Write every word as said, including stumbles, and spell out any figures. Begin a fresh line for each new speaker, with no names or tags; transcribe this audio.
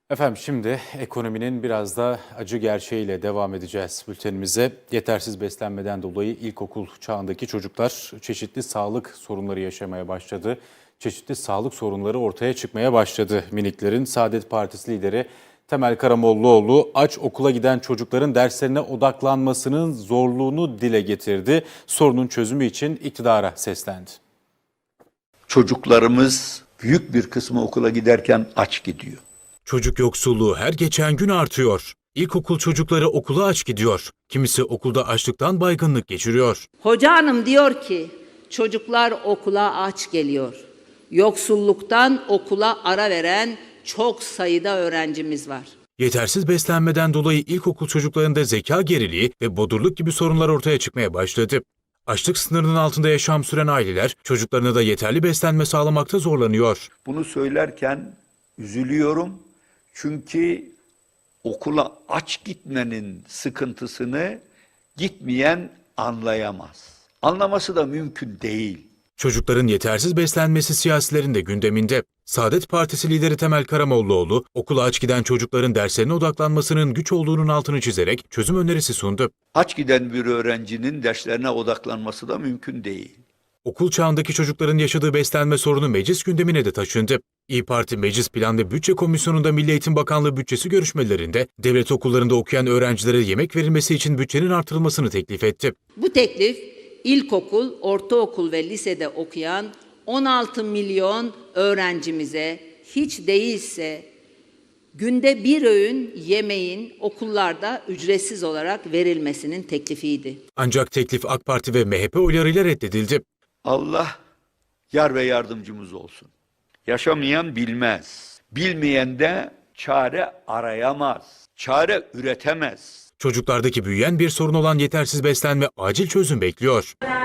Efendim şimdi ekonominin biraz da acı gerçeğiyle devam edeceğiz bültenimize. Yetersiz beslenmeden dolayı ilkokul çağındaki çocuklar çeşitli sağlık sorunları yaşamaya başladı. Çeşitli sağlık sorunları ortaya çıkmaya başladı miniklerin. Saadet Partisi lideri Temel Karamollaoğlu aç okula giden çocukların derslerine odaklanmasının zorluğunu dile getirdi. Sorunun çözümü için iktidara seslendi.
Çocuklarımız büyük bir kısmı okula giderken aç gidiyor.
Çocuk yoksulluğu her geçen gün artıyor. İlkokul çocukları okula aç gidiyor. Kimisi okulda açlıktan baygınlık geçiriyor.
Hoca hanım diyor ki çocuklar okula aç geliyor. Yoksulluktan okula ara veren çok sayıda öğrencimiz var.
Yetersiz beslenmeden dolayı ilkokul çocuklarında zeka geriliği ve bodurluk gibi sorunlar ortaya çıkmaya başladı. Açlık sınırının altında yaşam süren aileler çocuklarına da yeterli beslenme sağlamakta zorlanıyor.
Bunu söylerken üzülüyorum. Çünkü okula aç gitmenin sıkıntısını gitmeyen anlayamaz. Anlaması da mümkün değil.
Çocukların yetersiz beslenmesi siyasilerin de gündeminde. Saadet Partisi lideri Temel Karamollaoğlu, okula aç giden çocukların derslerine odaklanmasının güç olduğunun altını çizerek çözüm önerisi sundu.
Aç giden bir öğrencinin derslerine odaklanması da mümkün değil.
Okul çağındaki çocukların yaşadığı beslenme sorunu meclis gündemine de taşındı. İYİ Parti Meclis Plan ve Bütçe Komisyonu'nda Milli Eğitim Bakanlığı bütçesi görüşmelerinde devlet okullarında okuyan öğrencilere yemek verilmesi için bütçenin artırılmasını teklif etti.
Bu teklif ilkokul, ortaokul ve lisede okuyan on altı milyon öğrencimize hiç değilse günde bir öğün yemeğin okullarda ücretsiz olarak verilmesinin teklifiydi.
Ancak teklif AK Parti ve M H P oylarıyla reddedildi.
Allah yar ve yardımcımız olsun. Yaşamayan bilmez. Bilmeyen de çare arayamaz. Çare üretemez.
Çocuklardaki büyüyen bir sorun olan yetersiz beslenme acil çözüm bekliyor.